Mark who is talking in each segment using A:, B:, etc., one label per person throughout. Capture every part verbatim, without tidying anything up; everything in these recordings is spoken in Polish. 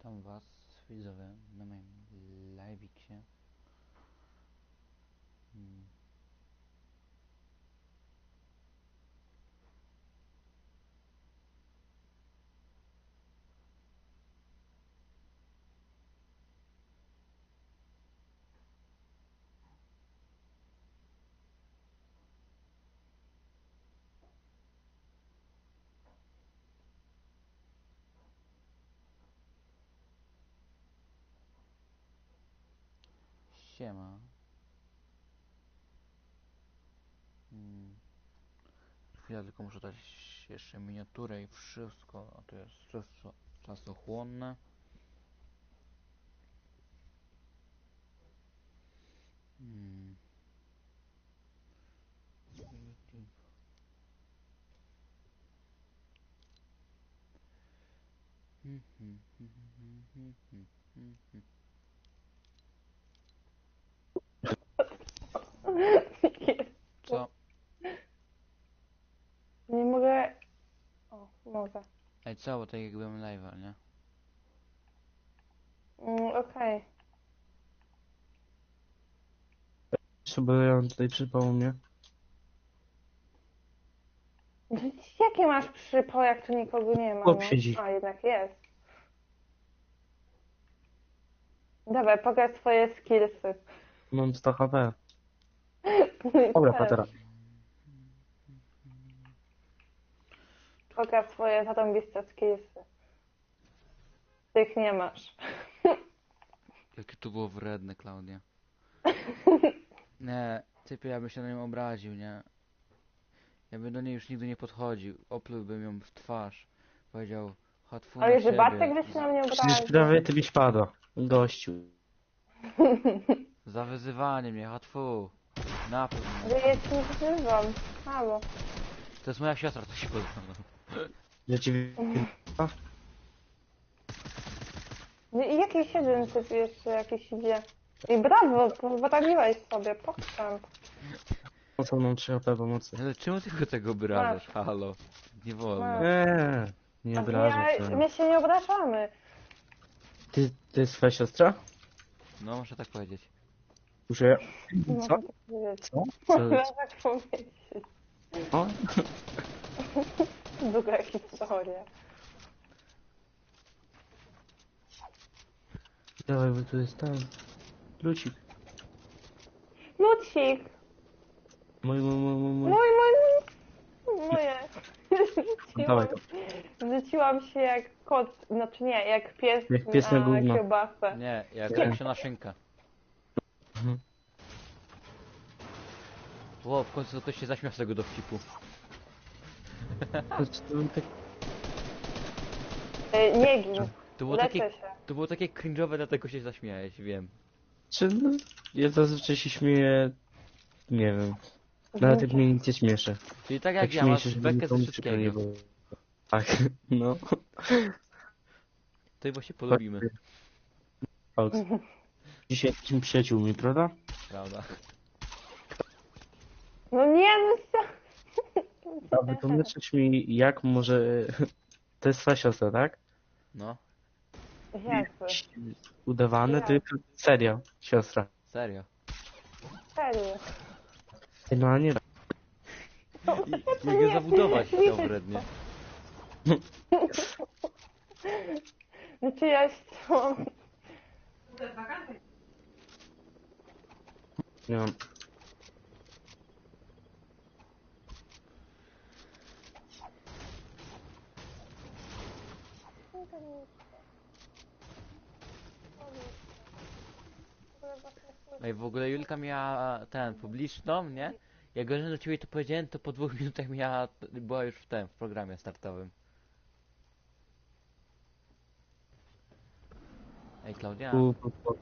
A: Witam was, widzowie, na moim live'iksie. Hmm. Siema. Hmm. Chwilę, tylko muszę dać jeszcze miniaturę i wszystko, a to jest wszystko czasochłonne. Hmm. YouTube. Hmm, hmm, hmm, hmm, hmm, hmm, hmm, hmm. Co?
B: Nie mogę... O, mogę.
A: Ej, co, bo tak jak byłem live'a, nie?
B: Mm, okej.
C: Sobie ja tutaj przypał mnie.
B: Okay. Jakie masz przypał, jak tu nikogo nie ma,
C: Chłop
B: no?
C: siedzi.
B: A, jednak jest. Dawaj, pokaż swoje skillsy.
C: Mam sto H P.
B: Mój
C: Dobra,
B: też.
C: patera.
B: Pokaż swoje zarąbiste skillsy. Tych nie masz.
A: Jakie to było wredne, Klaudia. Nie, typie, ja bym się na nią obraził, nie? Ja bym do niej już nigdy nie podchodził. Oplułbym ją w twarz. Powiedział, hatfu na
B: Ale że
A: ciebie.
B: Bartek by się na mnie
C: Przecież
B: obraził.
C: prawie ty byś padła. Gościu.
A: Za wyzywanie mnie, hatfu. Napluł
B: Ale
A: mnie.
B: ja cię nie wzywam. Halo.
A: To jest moja siostra, to się podoba.
C: Że ci...
B: No i jakiś jeden typ jeszcze jakiś idzie. I brawo, poradziłeś sobie, pokrzem.
C: Mocą mam trzy H P pomocy.
A: Ale czemu tylko tego obrażasz? Halo. Nie wolno.
B: Masz.
C: Eee, nie obrażam
B: Ja,
C: się.
B: my się nie obrażamy.
C: Ty, ty jest twoja siostra?
A: No, muszę tak powiedzieć.
C: Muszę...
B: Nie
C: Co?
B: mogę tak powiedzieć.
C: Co? Co?
B: Mogę tak powiedzieć.
C: O?
B: Długa historia.
C: Dawaj, bo tu jest ten... Lucik.
B: Lucik!
C: Mój, mój, mój, mój, mój.
B: Mój, mój, moje.
C: Dawaj
B: Rzuciłam,
C: to.
B: rzuciłam się jak kot, znaczy nie, jak pies,
C: Jak pies na gówno.
B: kiełbasę.
A: Nie, jak
C: Nie.
A: większa szynka.
C: Mhm.
A: Ło, w końcu ktoś się zaśmiał z tego dowcipu.
C: To, to, tak...
B: E, Nie gin,
A: To było
B: leczę
A: takie,
B: się.
A: to było takie cringe'owe, dlatego się zaśmiałeś, wiem.
C: Czy... No, ja zazwyczaj się śmieję... Nie wiem. Nawet jak mnie nic nie śmieszy.
A: Czyli tak jak
C: Tak
A: ja,
C: śmieję
A: masz
C: się, żeby
A: bekę ze
C: nikomu przykro nie
A: wszystkiego.
C: było. Tak, no.
A: To i właśnie polubimy,
C: Fałd. Dzisiaj jesteśmy przyjaciółmi, prawda?
A: prawda?
B: No nie, no co?
C: A wytłumaczysz mi, jak może... To jest twoja siostra, tak?
A: No,
B: Jakby,
C: Udawane,
B: Jak?
C: ty... Serio, siostra.
A: serio.
B: serio.
C: No a nie...
A: I, jak go zabudować chciał wrednie.
B: Znaczy ja chciałam...
C: Nie mam.
A: Ej, w ogóle Julka miała ten, publiczną, nie? Jak go do ciebie to powiedziałem, to po dwóch minutach miała, była już w tym, w programie startowym. Ej, Klaudia,
C: Tu, tu, tu.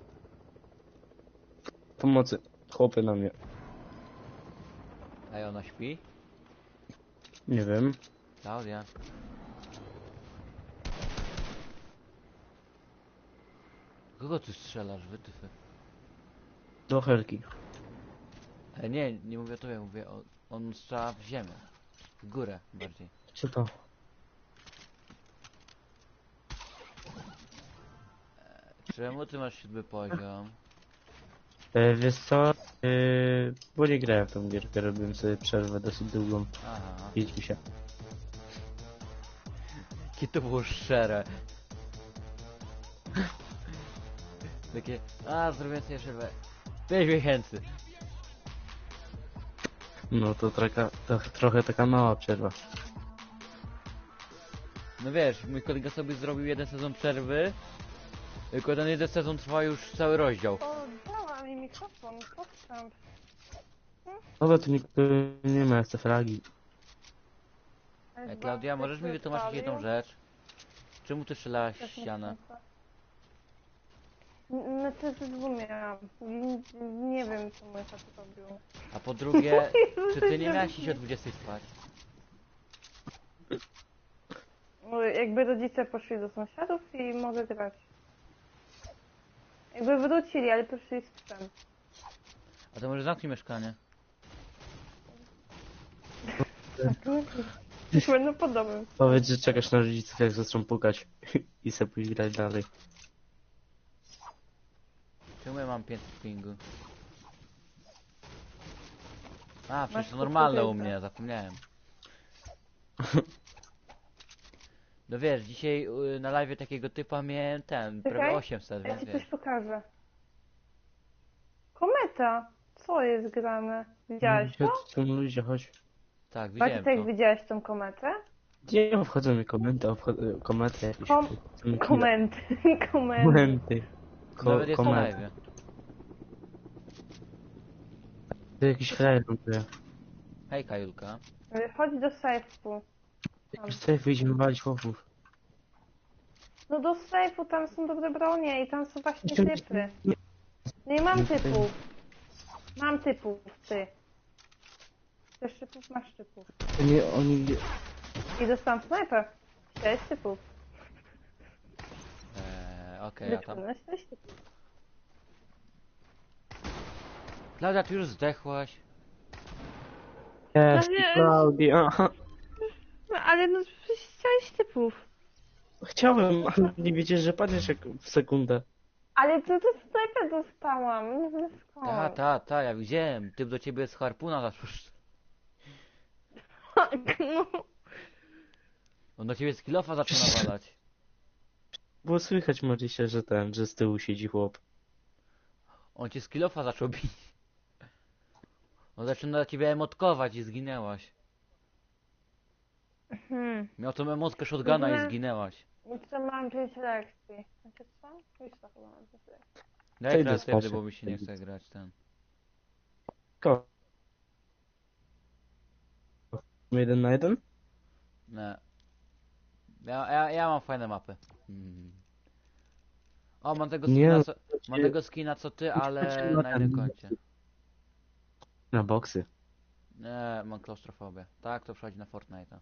C: Pomocy. Chłopy na mnie.
A: ej, ona śpi?
C: Nie wiem.
A: Klaudia. Kogo ty strzelasz, wytyfy?
C: Do Helki.
A: Ej, nie, nie mówię o tobie, mówię o... On strzela w ziemię. W górę bardziej.
C: Co to?
A: Czemu ty masz siódmy poziom?
C: E, wiesz co? E, bo nie grałem w tą gierkę, robiłem sobie przerwę dosyć długą.
A: Aha.
C: Idź mi się.
A: Jakie to było szczere. Takie, a zrobię sobie przerwę. pięć miesięcy.
C: No to, traka, to trochę taka mała przerwa.
A: No wiesz, mój kolega sobie zrobił jeden sezon przerwy. Tylko ten jeden sezon trwa już cały rozdział.
B: O, dała mi mikrofon, podstęp.
C: No to nikt tu nie ma, chce fragi.
A: Ej, Klaudia, możesz mi wytłumaczyć jedną rzecz? Czemu ty strzelałaś w ścianę?
B: No to zrozumiałam. Nie wiem, co mój tata robił.
A: A po drugie, czy ty nie miałaś iść o dwudziestej spać?
B: No, jakby rodzice poszli do sąsiadów i mogę grać. Jakby wrócili, ale poszli z psem.
A: A to może zamknij mieszkanie?
B: Już będą po domu.
C: Powiedz, że czekasz na rodziców, jak zaczną pukać i sobie pójść grać dalej.
A: Czemu ja mam pięćset pingu? A, przecież
B: Masz
A: to normalne u
B: kukurydzy.
A: mnie, zapomniałem. No wiesz, dzisiaj y, na live takiego typa miałem ten, prawie
B: Czekaj,
A: osiemset,
B: Ja
A: więc
B: ci coś
A: wiesz.
B: pokażę. Kometa! Co jest grane? Widziałeś to?
C: Chodź, tu ludzie, chodź.
A: Tak, widziałem
B: Bartek,
A: to.
B: widziałeś tą kometę?
C: Nie obchodzą mnie komenty, obchodzą komety jakieś.
B: Kom-
C: obchodzą mnie
B: Komenty, komenty.
C: Komenty. Ko
A: Nawet jest na
C: komety.
A: live.
C: To jakiś frajer ląduje.
A: Hej Kajulka.
B: Chodź do sejfu.
C: Jakiś sobie wyjdziemy walić chłopów.
B: No do sejfu, tam są dobre bronie i tam są właśnie
C: Jeszcze-
B: typy. Nie mam typów. Mam typów, ty. Chcesz typów? Masz typów.
C: To nie, oni...
B: I dostałam snajper. Sześć typów.
A: Eee, okej, a tam.
B: Wyczułeś sześć typów.
A: Klaudia, ty już zdechłaś.
C: Jest,
B: No nie.
C: Klaudia.
B: No ale no przecież sześć typów.
C: Chciałem, ale nie wiecie, że padniesz jak w sekundę.
B: Ale to, to snajper dostałam. Nie wiem skąd.
A: Ta, ta, ta, ja widziałem. Typ do ciebie z harpuna zaczął.
B: No.
A: On do ciebie z kilofa zaczął nawalać.
C: Było słychać Marysia, że ten, że z tyłu siedzi chłop.
A: On cię z kilofa zaczął bić. On zaczął na ciebie emotkować i zginęłaś.
B: Hmm.
A: Miał tą emotkę shotguna i
B: Mhm.
A: zginęłaś.
B: Jeszcze mam pięć lekcji. Znaczy co? Już to chyba mam pięć lekcji.
A: Daj
C: Przejdę
A: kreatywny,
C: spać.
A: bo mi się nie chce grać ten.
C: Ko. Jeden na jeden?
A: Nie. Ja, ja, ja mam fajne mapy. Mm. O, mam tego
C: Nie,
A: skina, co,
C: to
A: mam
C: ci-
A: tego skina co ty, ale
C: na
A: na
C: ten-
A: innym koncie.
C: Na boksy.
A: Nie, mam klaustrofobię. Tak, to przechodzi na Fortnite'a.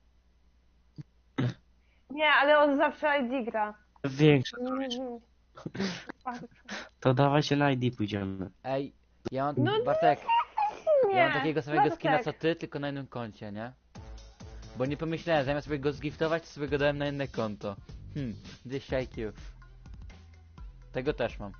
B: Nie, ale on zawsze I D gra.
C: Większe.
B: Mhm.
C: To dawaj się na I D pójdziemy.
A: Ej, ja mam,
B: No
A: Bartek,
B: Nie.
A: ja mam takiego samego
B: Bartek.
A: skina co ty, tylko na innym koncie, nie? Bo nie pomyślałem, zamiast sobie go zgiftować, to sobie go dałem na inne konto. Hmm, dwieście I Q. Tego też mam.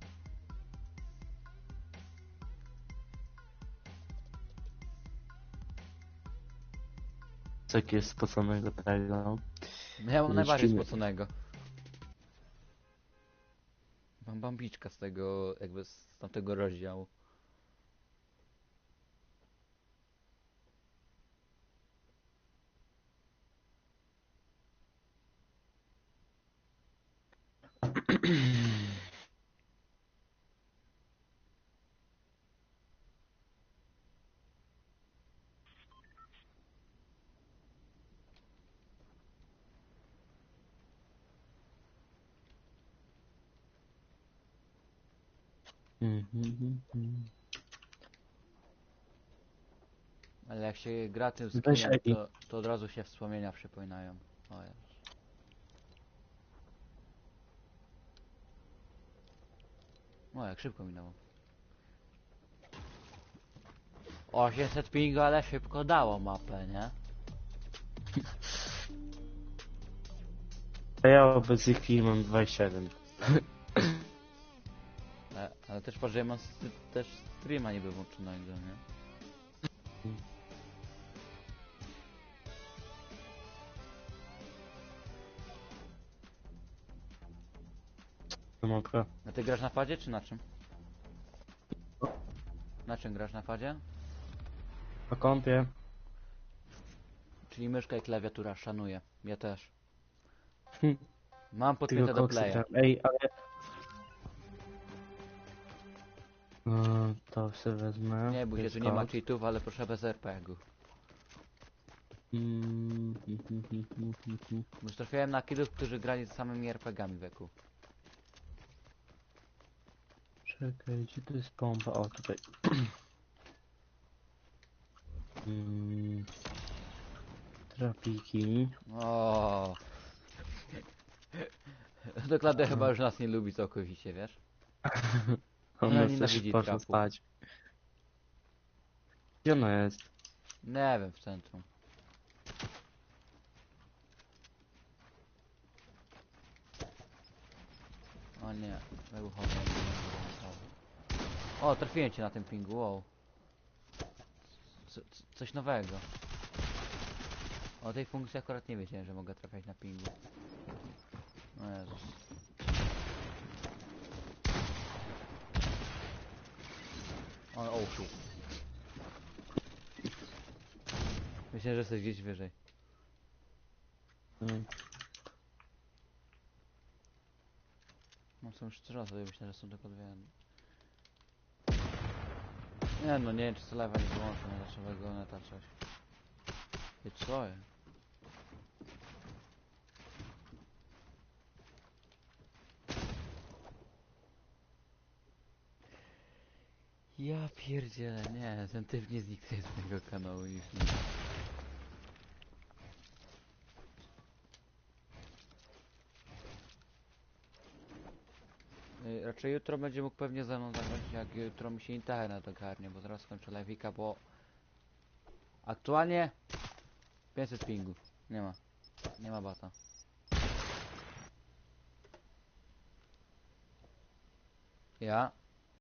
C: Co jakiegoś spoconego tego.
A: No ja mam
C: Nie
A: najbardziej
C: śpimy.
A: spoconego. Mam bambiczka z tego, jakby z tamtego rozdziału.
C: Mhm.
A: Ale jak się gra tym
C: Weź
A: skinem,
C: Egi.
A: to, to od razu się wspomnienia przypominają. O Jezu. O, jak szybko minęło. osiemset pingu, ale szybko dało mapę, nie?
C: A ja obecnie chwili mam dwadzieścia jeden.
A: Ale, ale też patrz, że ja mam st też streama niby włączonego, nie?
C: Nie mogę.
A: A ty grasz na padzie czy na czym? Na czym grasz na padzie?
C: Na kąpie.
A: Czyli myszka i klawiatura, szanuję. Ja też.
C: Hm.
A: Mam
C: Tylko
A: podpięte do
C: koksy
A: playa.
C: gram. Ej, ale... No, to sobie wezmę.
A: Nie bój się, tu nie ma cheatów, ale proszę bez er pe gu.
C: Mm, hm, hm, hm, hm, hm, hm.
A: Już trafiałem na kidów, którzy grali z samymi er pe gami wieku.
C: Czekaj, gdzie to jest pompa? O, tutaj. mm, trapiki.
A: O. Dokładnie chyba już nas nie lubi całkowicie, wiesz?
C: On
A: Ona
C: nas
A: nienawidzi
C: też poszło
A: trapu.
C: spać. Gdzie ona jest?
A: Nie wiem, w centrum. O nie, wybuchowy. O, trafiłem cię na tym pingu, wow. Co, co, coś nowego. O tej funkcji akurat nie wiedziałem, że mogę trafiać na pingu. O Jezus. O, o shit. Myślę, że jesteś gdzieś wyżej.
C: Mm.
A: No są już trzy razy, myślę, że są tylko dwie. Nie no, nie wiem, czy co lewa nie wyłączę na naszego neta coś. I co jest? Ja pierdzielę, nie, ten typ nie zniknie z tego kanału już nie. Y, Raczej jutro będzie mógł pewnie ze mną zagrać, jak jutro mi się internet ogarnie, bo zaraz skończę live'ika, bo... Aktualnie... pięćset pingów. Nie ma. Nie ma bata. Ja?